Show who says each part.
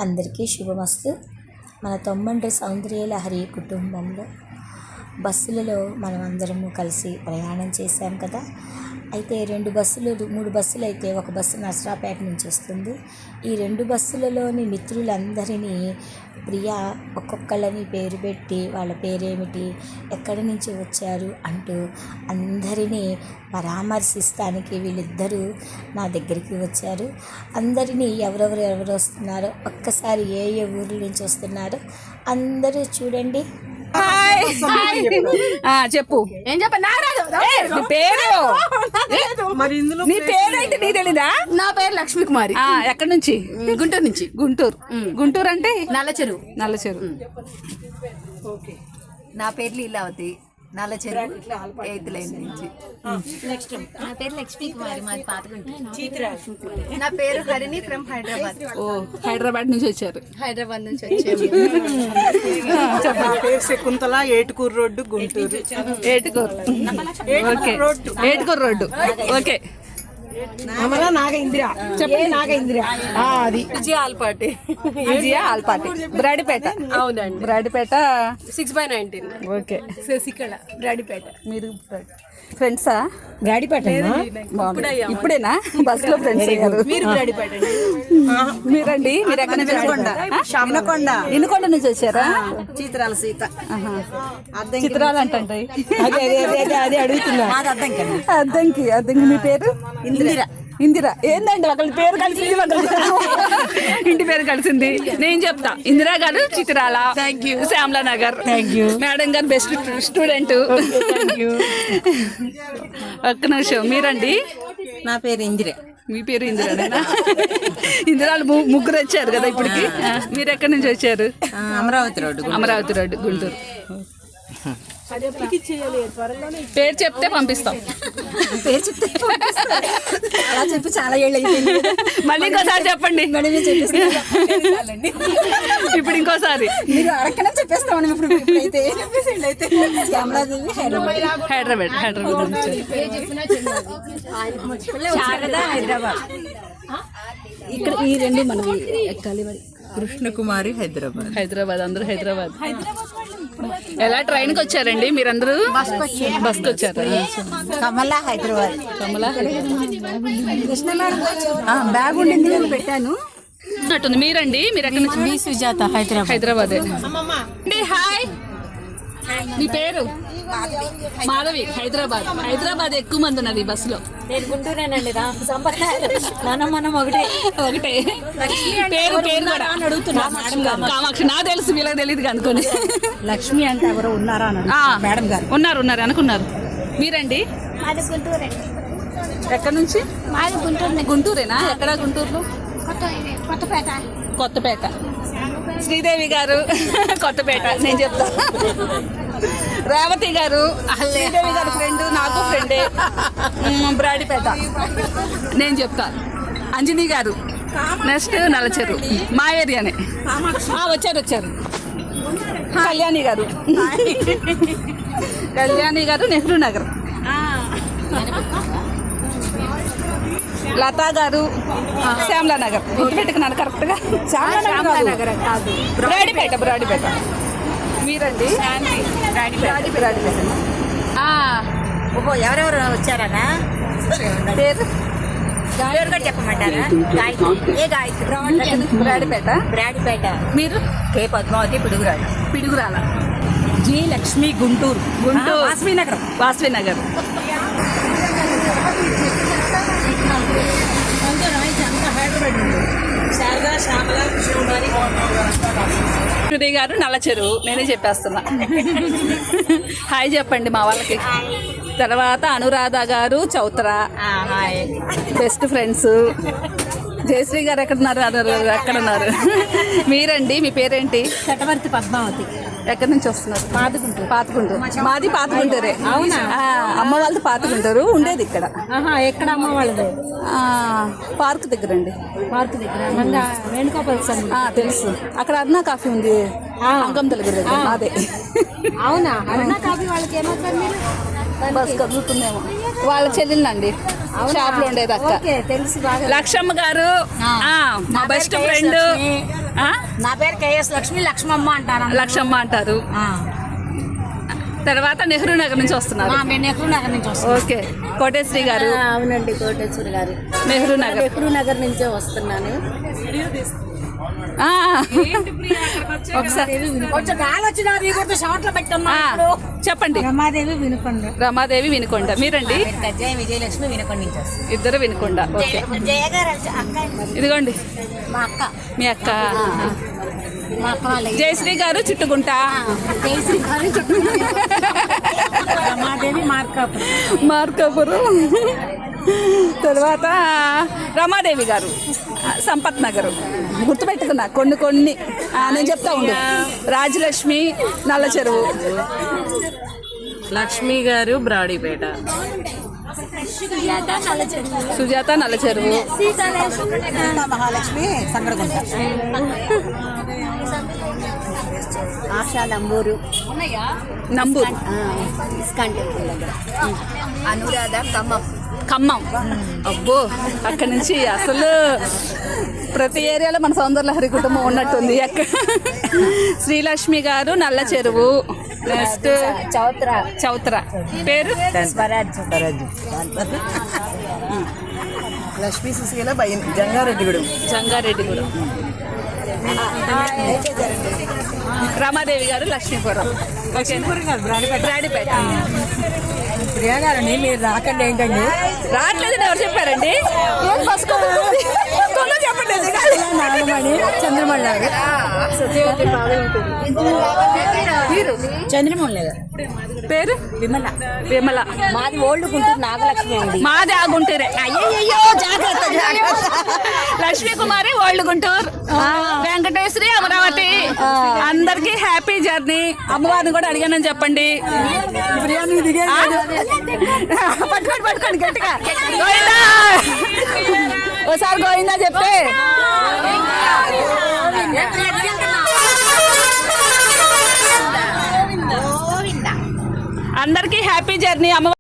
Speaker 1: అందరికీ శుభమస్తు. మన తొమ్మండ్రి సౌందర్యలహరి కుటుంబంలో బస్సులలో మనం అందరము కలిసి ప్రయాణం చేశాం కదా. అయితే 3 బస్సులు అయితే ఒక బస్సు నర్సరావుపేట నుంచి వస్తుంది. ఈ 2 బస్సులలోని మిత్రులందరినీ ప్రియా ఒక్కొక్కళ్ళని పేరు పెట్టి వాళ్ళ పేరేమిటి, ఎక్కడి నుంచి వచ్చారు అంటూ అందరినీ పరామర్శిస్తానికి వీళ్ళిద్దరూ నా దగ్గరికి వచ్చారు. అందరినీ ఎవరెవరు వస్తున్నారో ఒక్కసారి ఏ ఊర్ల నుంచి వస్తున్నారో అందరూ చూడండి.
Speaker 2: చెప్పు. ఏం చెప్పు పేరు? నీ పేరేంటి నీకు తెలీదా?
Speaker 3: నా పేరు లక్ష్మీ కుమారి.
Speaker 2: ఎక్కడి నుంచి?
Speaker 3: గుంటూరు నుంచి.
Speaker 2: గుంటూరు అంటే
Speaker 3: నల్లచెరువు. నా పేరు లీలావతి, నల్లచెరువు 8th లైన్ నుంచి.
Speaker 4: నా పేరు లక్ష్మీ కుమారి, మాది పాతగుంట.
Speaker 3: నా పేరు హరిణి ఫ్రమ్ హైదరాబాద్.
Speaker 2: హైదరాబాద్ నుంచి వచ్చారు.
Speaker 3: హైదరాబాద్ నుంచి వచ్చాము.
Speaker 5: నా పేరు Shakuntala, Etukuru road, Guntur.
Speaker 2: Etukuru road. Okay.
Speaker 5: Nagendra అది
Speaker 3: విజయ ఆల్పాటి.
Speaker 2: బ్రాడిపేట.
Speaker 3: అవునండి,
Speaker 2: బ్రాడిపేట
Speaker 3: 6/19.
Speaker 2: ఓకే.
Speaker 3: శశికళ, బ్రాడిపేట.
Speaker 2: మీరు ఫ్రెండ్సా?
Speaker 5: బ్రాడిపేట
Speaker 2: ఇప్పుడేనా బస్ లో ఫ్రెండ్స్ అయ్యారు?
Speaker 3: మీరు బ్రాడిపేట.
Speaker 2: మీరండి? మీరు ఎక్కడ నుంచి? ఇనుకొండ నుంచి వచ్చారా?
Speaker 3: చిత్రాల సీత.
Speaker 2: చిత్రాలు అంటే
Speaker 5: అదే అడుగుతున్నా.
Speaker 2: అద్దంకి. మీ పేరు? ఇందిరా. ఏందండి ఒకళ్ళ పేరు కలిసింది, ఇంటి పేరు కలిసింది. నేను చెప్తా. Indira garu Chitrala. Thank you. Shyamala Nagar. Thank you. Madam garu best student. ఒక్క నిమిషం. మీరండి?
Speaker 3: నా పేరు ఇందిరా.
Speaker 2: మీ పేరు ఇందిరానేనా? ఇందిరాలు ముగ్గురు వచ్చారు కదా ఇప్పటికి. మీరు ఎక్కడి నుంచి వచ్చారు? అమరావతి రోడ్డు, గుంటూరు. పేరు చెప్తే పంపిస్తాం.
Speaker 1: అలా చెప్పి చాలా ఏళ్ళు అయిపోయింది.
Speaker 2: మళ్ళీ ఇంకోసారి చెప్పండి. ఇప్పుడు ఇంకోసారి
Speaker 1: మీరు అడగనే చెప్పేస్తామని ఇప్పుడైతే
Speaker 2: హైదరాబాద్
Speaker 1: హైదరాబాద్. ఇక్కడ ఈ 2 మనవి ఎక్కాలి. మరి
Speaker 5: కృష్ణకుమారి, హైదరాబాద్.
Speaker 2: అందరూ హైదరాబాద్. ఎలా ట్రైన్కి వచ్చారండి మీరందరూ? బస్కి వచ్చారు.
Speaker 1: కమలా, హైదరాబాద్.
Speaker 2: బ్యాగ్ ఉండింది పెట్టాను. మీరండి? మీరు ఎక్కడి నుంచి?
Speaker 3: సుజాత,
Speaker 2: హైదరాబాద్. హాయ్, మీ పేరు? మాధవి, హైదరాబాద్ ఎక్కువ మంది ఉన్నది బస్సులో.
Speaker 4: నేను గుంటూరేనండి. మనం ఒకటే.
Speaker 2: పేరు కూడా అడుగుతున్నా. కామాక్షి. నాకు తెలుసు, వీళ్ళకి తెలియదు అనుకోని.
Speaker 1: లక్ష్మి అంటే ఎవరు ఉన్నారా? మేడం గారు
Speaker 2: ఉన్నారు అనుకున్నారు. మీరండి?
Speaker 4: మాది గుంటూరే.
Speaker 2: ఎక్కడి నుంచి?
Speaker 4: మాది గుంటూరు.
Speaker 2: గుంటూరేనా? ఎక్కడ గుంటూరులో? కొత్తపేట. శ్రీదేవి గారు కొత్తపేట. నేను చెప్తా. రేవతి గారు, శ్రీదేవి గారి ఫ్రెండ్, నాకు ఫ్రెండే. బ్రాడిపేట. నేను చెప్తా. అంజనీ గారు నెక్స్ట్ నల్లచెరు, మా ఏరియానే. వచ్చారు. కళ్యాణి గారు నెహ్రూ నగర్. లతా గారు శ్యామలా నగర్. పెట్టుకున్నాను కరెక్ట్గా. శ్యామలా నగర్ కాదు, బ్రాడిపేట. మీరండి? బ్రాడిపేట.
Speaker 4: ఎవరెవరు వచ్చారనా?
Speaker 2: పేరు
Speaker 4: కూడా చెప్పమంటారా? బ్రాడిపేట.
Speaker 2: మీరు?
Speaker 4: కే పద్మావతి,
Speaker 2: పిడుగురాల.
Speaker 1: జి లక్ష్మి, గుంటూరు. వాసవినగర్. సుధీ గారు నల్లచెరువు. నేనే చెప్పేస్తున్నా. హాయ్ చెప్పండి మా వాళ్ళకి. తర్వాత అనురాధ గారు చౌత్రా, బెస్ట్ ఫ్రెండ్స్. జయశ్రీ గారు ఎక్కడున్నారు? మీరండి? మీ పేరేంటి? చటవర్తి పద్మావతి.
Speaker 2: ఎక్కడి నుంచి వస్తున్నారు? పాతగుంటూరు. మాది పాతగుంటూరే. అవునా? అమ్మ వాళ్ళది పాతగుంటూరు, ఉండేది ఇక్కడ.
Speaker 1: ఎక్కడ అమ్మ వాళ్ళది?
Speaker 2: పార్క్ దగ్గర అండి.
Speaker 1: వేణుగోపాల్
Speaker 2: తెలుసు. అక్కడ అరుణ కాఫీ ఉంది, అంగం తెలుగు. అదే.
Speaker 1: అవునా? అరుణ కాఫీ వాళ్ళకి ఏమవుతుంది?
Speaker 2: బస్ కదులుతుందేమో. వాళ్ళ చెల్లెళ్ళండి. షాప్ లో ఉండేది అక్క.
Speaker 1: ఓకే, తెలుసు బాగా.
Speaker 2: లక్ష్మమ్మ గారు మా బెస్ట్ ఫ్రెండ్.
Speaker 1: నా పేరు కేఎస్ లక్ష్మి, లక్ష్మమ్మ అంటారు.
Speaker 2: లక్ష్మమ్మ అంటారు. తర్వాత నెహ్రూ నగర్ నుంచి వస్తున్నారు.
Speaker 1: మేము నెహ్రూ నగర్ నుంచి వస్తాం.
Speaker 2: ఓకే, కోటేశ్వరి గారు.
Speaker 1: అవునండి, కోటేశ్వరి గారు.
Speaker 2: నెహ్రూ నగర్.
Speaker 1: నెహ్రూ నగర్ నుంచే వస్తున్నాను.
Speaker 2: ఒకసారి
Speaker 1: కొంచెం గాలి వచ్చినది కూడా షార్ట్లో పెట్టున్నా.
Speaker 2: చెప్పండి.
Speaker 1: రమాదేవి వినుకొండ.
Speaker 2: రమాదేవి వినుకొండ. మీరండి?
Speaker 4: జయ విజయలక్ష్మి వినకొండ నుంచి వస్తుంది.
Speaker 2: ఇద్దరు వినుకొండ. ఓకే,
Speaker 4: జయ గారు అక్క,
Speaker 2: ఇదిగోండి
Speaker 4: మా అక్క,
Speaker 2: మీ అక్క.
Speaker 4: మా అక్క వాళ్ళ
Speaker 2: జయశ్రీ గారు చిట్టుగుంట.
Speaker 4: జయశ్రీ గారు
Speaker 1: రమాదేవి మార్కాపురం.
Speaker 2: మార్కాపురం. తర్వాత రమాదేవి గారు సంపత్ నగర్. గుర్తుపెట్టుకున్నా కొన్ని నేను చెప్తా ఉండు. రాజలక్ష్మి నల్ల చెరువు.
Speaker 5: లక్ష్మి గారు బ్రాడీపేట.
Speaker 2: సుజాత నల్ల చెరువు.
Speaker 3: మహాలక్ష్మి సంగడగుంట.
Speaker 4: ఆశా నంబూరు,
Speaker 2: నంబూరు.
Speaker 4: ఇస్కాన్ టెంపుల్ దగ్గర. అనురాధ
Speaker 2: ఖమ్మం. అబ్బో, అక్కడి నుంచి అసలు ప్రతి ఏరియాలో మన సౌందర్యలహరి కుటుంబం ఉన్నట్టుంది. శ్రీలక్ష్మి గారు నల్ల చెరువు. నెక్స్ట్ చౌత్ర. పేరు
Speaker 3: లక్ష్మీ సుశీల జంగారెడ్డిగూడెం.
Speaker 2: జంగారెడ్డిగూడెం. రమాదేవి గారు లక్ష్మీపురం. బ్రాడీపేట.
Speaker 5: ప్రియా గారండి, మీరు రాకండి ఏంటండి?
Speaker 2: రావట్లేదని ఎవరు చెప్పారండి? చెప్పండి.
Speaker 5: నాగమణి చంద్రమణి గారు.
Speaker 2: మీరు?
Speaker 1: చంద్రమౌళి గారు.
Speaker 2: పేరు
Speaker 1: విమల.
Speaker 2: విమల.
Speaker 1: మాది ఓల్డ్ గుంటూరు నాగలక్ష్మి అండి.
Speaker 2: మాది ఆ గుంటూరే. అయ్యో, జాగ్రత్త. లక్ష్మీ కుమారి ఓల్డ్ గుంటూరు. వెంకటేశ్వరి అమరావతి. అందరికి హ్యాపీ జర్నీ. అమ్మవారిని కూడా అడిగానని చెప్పండి. పట్టుకోండి గట్టిగా. గోవిందా. ఓసారి గోవిందా చెప్తే అందరికీ హ్యాపీ జర్నీ. అమ్మ